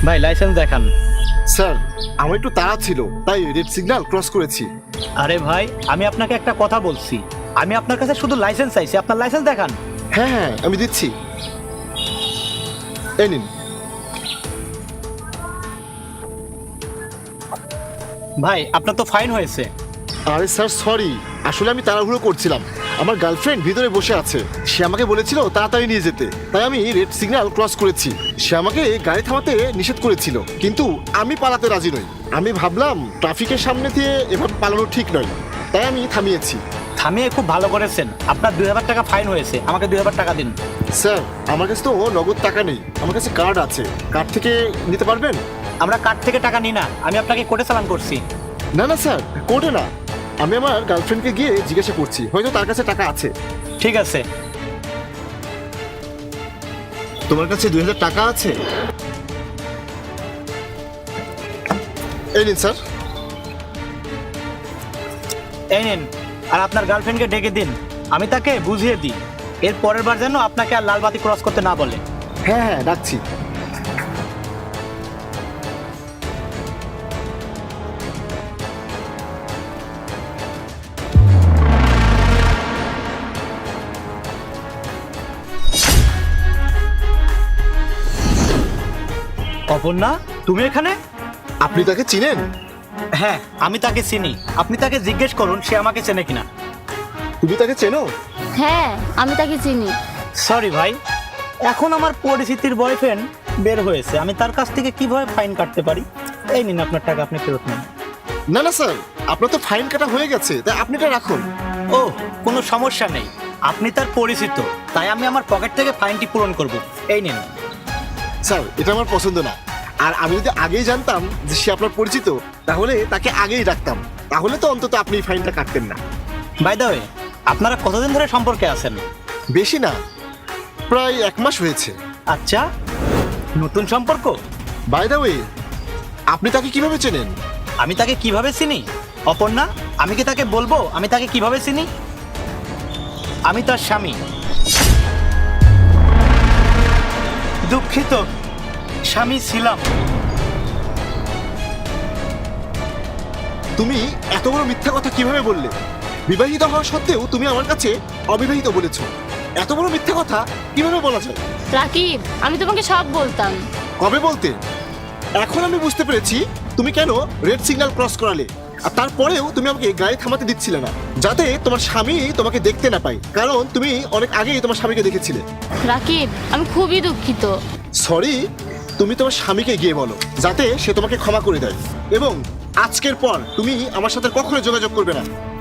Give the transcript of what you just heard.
ভাই লাইসেন্স দেখান। স্যার আমার একটু তাড়া ছিল তাই রেড সিগন্যাল ক্রস করেছি। আরে ভাই আমি আপনাকে একটা কথা বলছি, আমি আপনার কাছে শুধু লাইসেন্স চাইছি, আপনার লাইসেন্স দেখান। হ্যাঁ হ্যাঁ আমি দিচ্ছি, এই নিন। ভাই আপনার তো ফাইন হয়েছে। আরে স্যার সরি, আসলে আমি তাড়াহুড়ো করছিলাম। আমার গার্লফ্রেন্ড ভিতরে বসে আছে, সে আমাকে বলেছিল তাড়াতাড়ি নিয়ে যেতে, তাই আমি রেড সিগন্যাল ক্রস করেছি। সে আমাকে গাড়ি থামাতে নিষেধ করেছিল, কিন্তু আমি পালাতে রাজি নই। আমি ভাবলাম ট্রাফিকের সামনে দিয়ে এভাবে পালানো ঠিক নয়, তাই আমি থামিয়েছি। থামিয়ে খুব ভালো করেছেন, আপনার 2000 টাকা ফাইন হয়েছে, আমাকে 2000 টাকা দিন। স্যার আমার কাছে তো নগদ টাকা নেই, আমার কাছে কার্ড আছে, কার্ড থেকে নিতে পারবেন? আমরা কার্ড থেকে টাকা নিই না, আমি আপনাকে কোর্টে চালান করছি। না না স্যার, কোর্টে না, আমি আমার গার্লফ্রেন্ডকে গিয়ে জিজ্ঞাসা করছি, হয়তো তার কাছে টাকা আছে। ঠিক আছে। তোমার কাছে 2000 টাকা আছে? এই নিন স্যার। এই নিন, আর আপনার গার্লফ্রেন্ডকে ডেকে দিন, আমি তাকে বুঝিয়ে দিই, এর পরের বার যেন আপনাকে আর লাল বাতি ক্রস করতে না বলে। হ্যাঁ হ্যাঁ ডাকছি। অপর্ণা, তুমি এখানে? আপনি তাকে চিনেন? হ্যাঁ আমি তাকে চিনি, আপনি তাকে জিজ্ঞেস করুন সে আমাকে চেনে কিনা। তুমি তাকে চেনো? হ্যাঁ আমি তাকে চিনি। সরি ভাই, এখন আমার পরিচিতির বয়ফ্রেন্ড বের হয়েছে, আমি তার কাছ থেকে কিভাবে ফাইন কাটতে পারি। এই নিন আপনার টাকা, আপনি ফেরত নিন। না না স্যার, আপনার তো ফাইন কাটা হয়ে গেছে, তাই আপনি এটা রাখুন। ও, কোনো সমস্যা নেই, আপনি তার পরিচিত, তাই আমি আমার পকেট থেকে ফাইনটি পূরণ করব। এই নিন। স্যার এটা আমার পছন্দ না, আর আমি যদি আগেই জানতাম যে সে আপনার পরিচিত, তাহলে তাকে আগেই রাখতাম, তাহলে তো অন্তত আপনি ফাইনটা কাটতেন না। বাই দ্য ওয়ে, আপনারা কতদিন ধরে সম্পর্কে আছেন? বেশি না, প্রায় 1 মাস হয়েছে। আচ্ছা, নতুন সম্পর্ক? বাই দ্য ওয়ে, আপনি তাকে কিভাবে চেনেন? আমি তাকে কিভাবে চিনি? অপর্ণা, আমি কি তাকে বলবো আমি তাকে কিভাবে চিনি? আমি তার স্বামী। দুঃখিত, স্বামী ছিলাম। তুমি এত বড় মিথ্যা কথা কিভাবে বললে? বিবাহিত হওয়া সত্ত্বেও তুমি আমার কাছে অবিবাহিত বলেছো, এত বড় মিথ্যা কথা কিভাবে বলা যায়? রাকিব, আমি তোমাকে সব বলতাম। কবে বলতে? এখন আমি বুঝতে পেরেছি তুমি কেন রেড সিগন্যাল ক্রস করালে, আর তারপরেও তুমি আমাকে গাড়ি থামাতে দিচ্ছিলে না, যাতে তোমার স্বামী তোমাকে দেখতে না পায়, কারণ তুমি অনেক আগেই তোমার স্বামীকে দেখেছিলে। রাকিব, আমি খুবই দুঃখিত। সরি, তুমি তোমার স্বামীকে গিয়ে বলো যাতে সে তোমাকে ক্ষমা করে দেয়, এবং আজকের পর তুমি আমার সাথে কখনো যোগাযোগ করবে না।